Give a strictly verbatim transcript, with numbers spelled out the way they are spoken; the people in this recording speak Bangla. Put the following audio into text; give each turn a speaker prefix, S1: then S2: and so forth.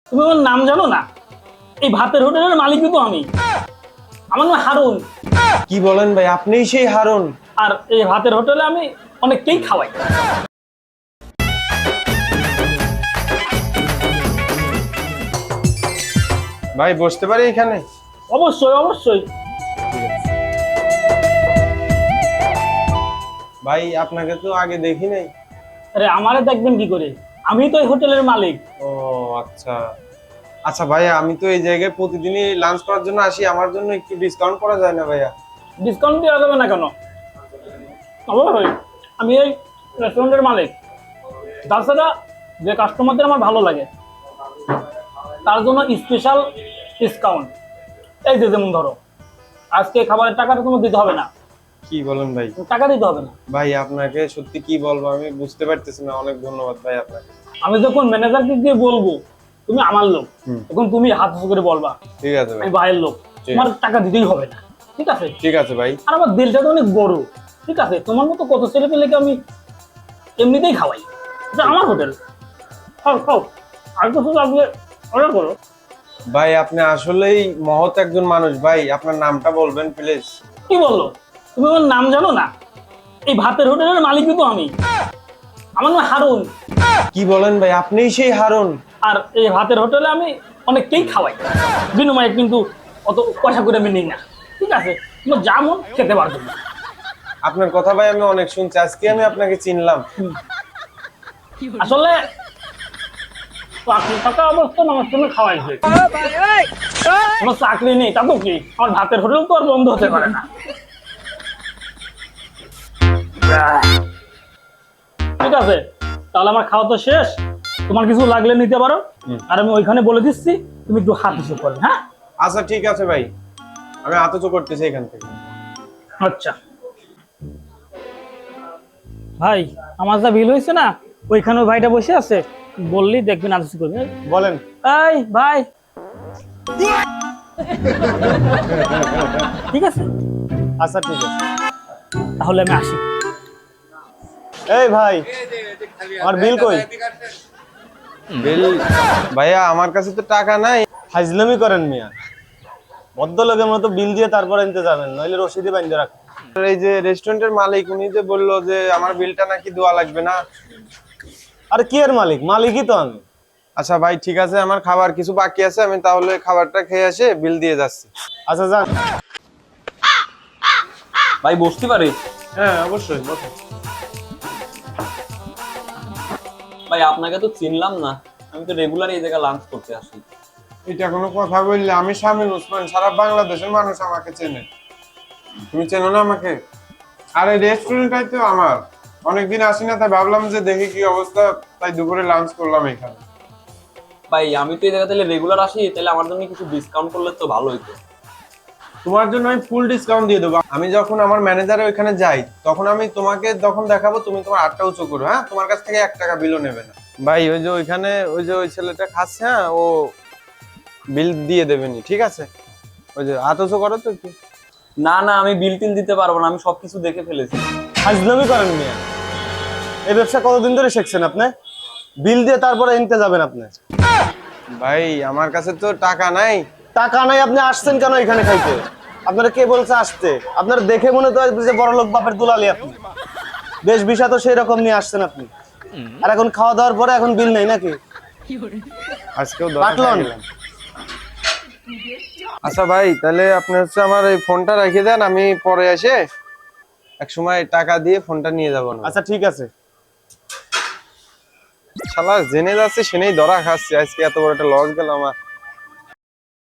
S1: তুমি ওর নাম জানো না? এই ভাতের হোটেলের মালিকই তো আমি। আমার নাম হারুন।
S2: কি বলেন ভাই, আপনিই সেই হারুন?
S1: আর এই ভাতের হোটেলে আমি অনেককেই খাওয়াই।
S2: ভাই বসতে পারি এখানে?
S1: অবশ্যই অবশ্যই।
S2: ভাই আপনাকে তো আগে দেখি নাই।
S1: আরে আমারে দেখবেন কি করে? আমি তো এই হোটেলের মালিক।
S2: ও আচ্ছা আচ্ছা ভাইয়া, আমি তো এই জায়গায় প্রতিদিনই লাঞ্চ করার জন্য আসি, আমার জন্য একটু ডিসকাউন্ট করা যায় না ভাইয়া?
S1: ডিসকাউন্ট দেওয়া যাবে না কেন? অবশ্যই, আমি এই রেস্টুরেন্টের মালিক। তাছাড়া যে কাস্টমারদের আমার ভালো লাগে তার জন্য স্পেশাল ডিসকাউন্ট। এই যে যেমন ধরো, আজকে খাবারের টাকাটা তোমার দিতে হবে না।
S2: কি বলেন ভাই?
S1: টাকা দিতে হবে না।
S2: ভাই আপনাকে সত্যি কি বলবো আমি বুঝতে পারতেছি না, অনেক ধন্যবাদ ভাই আপনাকে।
S1: আমি যখন ম্যানেজারকে গিয়ে বলবো তুমি আমার লোক, তখন তুমি হাত উঁচু করে বলবা
S2: ঠিক আছে ভাই,
S1: আমি ভাইয়ের লোক, তোমার টাকা দিতেই হবে না। ঠিক আছে?
S2: ঠিক আছে ভাই।
S1: আর আমার দিলটা তো অনেক বড়। ঠিক আছে? তোমার মতো কত ছেলে পেলেকে আমি এমনিতেই খাওয়াই। এটা আমার হোটেল। খাও খাও, আর কিছু লাগলে অর্ডার করো।
S2: ভাই আপনি আসলেই মহৎ একজন মানুষ ভাই, আপনার নামটা বলবেন প্লিজ?
S1: কি বললো? তুমি ওর নাম জানো না? এই ভাতের হোটেলের মালিকই তো আমি। আমার নাম হারুন।
S2: কি বলেন ভাই, আপনিই সেই হারুন?
S1: আর এই ভাতের হোটেলে আমি অনেককেই খাওয়াই, বিনিময়ে কিন্তু অত পয়সা করে আমি নিই না। ঠিক আছে? তোমার যা মন খেতে পারবে না।
S2: আপনার কথা ভাই আমি অনেক শুনছি, আজকে আমি আপনাকে চিনলাম।
S1: আসলে চাকরি থাকা অবস্থায় আমার সঙ্গে খাওয়াইছে। কোনো চাকরি নেই তা তো কি, আমার ভাতের হোটেল তো আর বন্ধ হতে পারে না। ঠিক আছে, তাহলে আমার খাওয়া তো শেষ। তোমার কিছু লাগলে নিতে পারো, আর আমি ওইখানে বলে দিচ্ছি তুমি একটু হাত হিসেব করবে। হ্যাঁ
S2: আচ্ছা ঠিক আছে ভাই, আমি আতচ করতেছি এখান থেকে।
S1: আচ্ছা ভাই, আমার যা বিল হয়েছে না, ওইখানে ওই ভাইটা বসে আছে, বললি দেখবেন আলোচনা করবে।
S2: বলেন।
S1: এই ভাই, ঠিক আছে?
S2: আচ্ছা ঠিক আছে।
S1: তাহলে আমি আসি।
S2: এই ভাই, আমার বিল কই? বিল ভাইয়া আমার কাছে তো টাকা নাই।
S3: ফাজলামি করেন মিয়া, ভদ্রলোকের মতো বিল দিয়ে তারপর আনতে যাবেন, নইলে রসিদে বাইন্ধে রাখ।
S2: এই যে রেস্টুরেন্টের মালিক উনি যে বললো যে আমার বিলটা নাকি দেওয়া লাগবে না।
S3: আর কি এর মালিক? মালিকই তো আমি।
S2: আচ্ছা ভাই ঠিক আছে, আমার খাবার কিছু বাকি আছে, আমি তাহলে খাবারটা খেয়ে এসে বিল দিয়ে যাচ্ছি।
S3: আচ্ছা যান।
S4: ভাই বসতে পারে?
S2: হ্যাঁ অবশ্যই বসুন।
S4: ভাই আপনাকে তো চিনলাম না, আমি তো রেগুলার এই জায়গায় লাঞ্চ করতে আসি।
S2: এটা কোনো কথা বললে? আমি শামীম ওসমান, সারা বাংলাদেশের মানুষ আমাকে চেনে। তুমি চেনো না আমাকে? আর এই রেস্টুরেন্টটাই তো আমার, অনেকদিন আসি না, তাই ভাবলাম যে দেখি কি অবস্থা, তাই দুপুরে লাঞ্চ করলাম এখানে।
S4: ভাই আমি তো এই জায়গা তাহলে রেগুলার আসি, তাহলে আমার জন্য কিছু ডিসকাউন্ট করলে তো ভালো হইতো।
S2: তোমার জন্য আমি ফুল ডিসকাউন্ট দিয়ে দেবো। আমি যখন আমার ম্যানেজারের ওইখানে যাই তখন আমি তোমাকে যখন দেখাবো তুমি তোমার আটটা উঁচু করো। হ্যাঁ, তোমার কাছ থেকে এক টাকা বিলও নেবে না। ভাই ওই যে ওইখানে ওই যে ওই ছেলেটা খাচ্ছে, হ্যাঁ ও বিল দিয়ে দেবেনি, ঠিক আছে? ওই যে হাত উঁচু করো তো একটু।
S4: না না, আমি বিল টিল দিতে পারবো না, আমি সবকিছু দেখে ফেলেছি।
S3: ফাজলামি করেন মিয়া, এই ব্যবসা কতদিন ধরে শিখছেন আপনি? বিল দিয়ে তারপরে আনতে যাবেন আপনি?
S2: ভাই আমার কাছে তো টাকা নাই।
S3: টাকা নাই, আপনি আসছেন কেন এখানে খাইতে? আপনারা কে বলছে আসতে? আপনারা দেখে মনে তো যে বড় লোক বাপের দুলালি আপনি। বেশ বিষয় তো সেই রকম নিয়ে আসছেন আপনি, আর এখন খাওয়া দাওয়ার পরে এখন বিল নেই নাকি?
S2: আজকেও দশ টাকা
S3: পাটলন।
S2: গেলাম। আচ্ছা ভাই, তাহলে আপনি হচ্ছে আমার এই ফোনটা রেখে দেন, আমি পরে এসে এক সময় টাকা দিয়ে ফোনটা নিয়ে যাবো না।
S3: আচ্ছা ঠিক আছে।
S2: শালা জেনে যাচ্ছে সেনেই ধরা খাচ্ছে, আজকে এত বড় একটা লস গেল আমার।